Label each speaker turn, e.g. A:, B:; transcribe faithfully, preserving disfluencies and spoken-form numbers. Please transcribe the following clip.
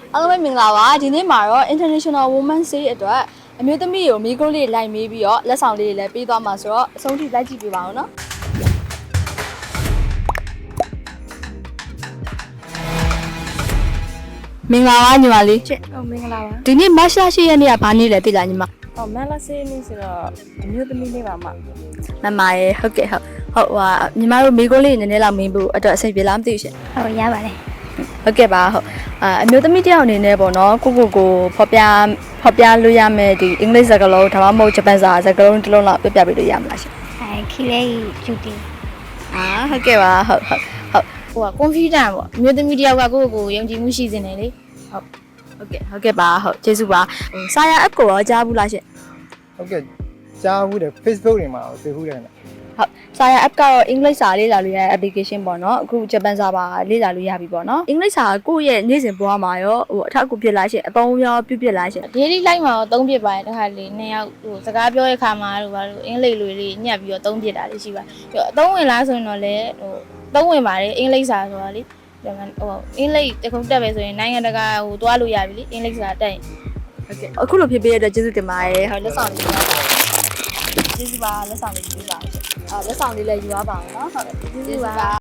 A: အားလုံးပဲမင်္ဂလာပါဒီနေ့မှာတော့ International Women's Day အတွက်အမျိုးသမီးကိုမိကုန်းလေးလိုက်မေးပြီးတော့လက်ဆောင်လေးတွေလည်းပေးသွားမှာဆိုတော့အဆုံးထိလိုက်ကြည့်ပေးပါဦးနော်မင်္ဂလာပါညီမလေး
B: ကျက်ဟုတ်မင်္ဂလာပါ
A: ဒီနေ့မတ်လရှိရက်နေ့ကဘာနေ့လဲသိလားညီမ
B: ဟောမန်လာစေးနေ့ဆိုတော့အမျိုးသမီးလေးပါမ
A: မမရေဟုတ်ကဲ့ဟုတ်ဟုတ်ဟာညီမတို့မိကုန်းလေးနည်းနည်းလောက်မင်းဖို့အတွက်အဆင်ပြေလားမသိဘူးရှင်
B: ဟုတ်ရပါတယ်
A: ဟုတ်ကဲ့ပါဟုတ်အာအမျိုးသမီးတယောက်အနေနဲ့ပေါ့နော်ကိုကိုကိုဖော်ပြဖော်ပြလို့ရမယ်ဒီအင်္ဂလိပ်စကားလုံးဒါမှမဟုတ်ဂျပန်စာစကားလုံးတစ်လုံးလောက်ပြပြပေးလို့ရမလားရှင်
B: အဲခီလေးဂျူတီ
A: အာဟုတ်ကဲ့ပါဟုတ်ဟုတ်ဟုတ်
B: ဟိုကကွန်ဖျူတာပေါ့အမျိုးသမီးတယောက်ကကိုယ့်ကိုယ်ကိုယုံကြည်မှုရှိစင်တယ်လေဟုတ်
A: ဟုတ်ကဲ့ဟုတ်ကဲ့ပါဟုတ်ကျေးဇူးပါဟိုစာရ app ကိုရောကြားဘူးလားရှင်
C: ဟုတ်ကဲ့ကြားဘူးတယ် Facebook တွေမှာတွေ့ဘူးတယ်နော်
A: ဟုတ်စာရ app ကတော့အင်္ဂလိပ်စာလေ့လာလို့ရတဲ့ application ပေါ့နော်အခုဂျပန်စာပါလေ့လာလို့ရပြီပေါ့နော်အင်္ဂလိပ်စာကိုယ့်ရဲ့နေ့စဉ်ဘဝမှာရောဟိုအထောက်အကူဖြစ်လားရှင်အသုံးရောပြုဖြစ်လားရှင်
B: ဒေးလီလိုက်မှာတော့သုံးပြစ်ပါတယ်တခါလေနှစ်ယောက်ဟိုစကားပြောတဲ့ခါမှာတို့ဘာလို့အင်္ဂလိပ်လိုလေးညက်ပြီးတော့သုံးပြစ်တာလေးရှိပါပြီးတော့အသုံးဝင်လားဆိုရင်တော့လေဟိုသုံးဝင်ပါတယ်အင်္ဂလိပ်စာဆိုတာလေဟိုအင်္ဂလိပ်တခုတက်ပဲဆိုရင်နိုင်ငံတကာဟိုသွားလို့ရပြီလေအင်္ဂလိပ်စာတက်ရင်
A: ဟုတ်ကဲ့အခုလိုဖြစ်ပေးရတဲ့အတွက်ကျေးဇူးတင်ပါတယ်ဟုတ်လက်ဆောင်လေးပါကျေးဇူးပါလက်ဆောင်လေးပေးပါဦးရှင်အာလက်ဆောင်လေးလည်းယူရပါအောင်နော်ဟုတ်ကျေးဇူးပါ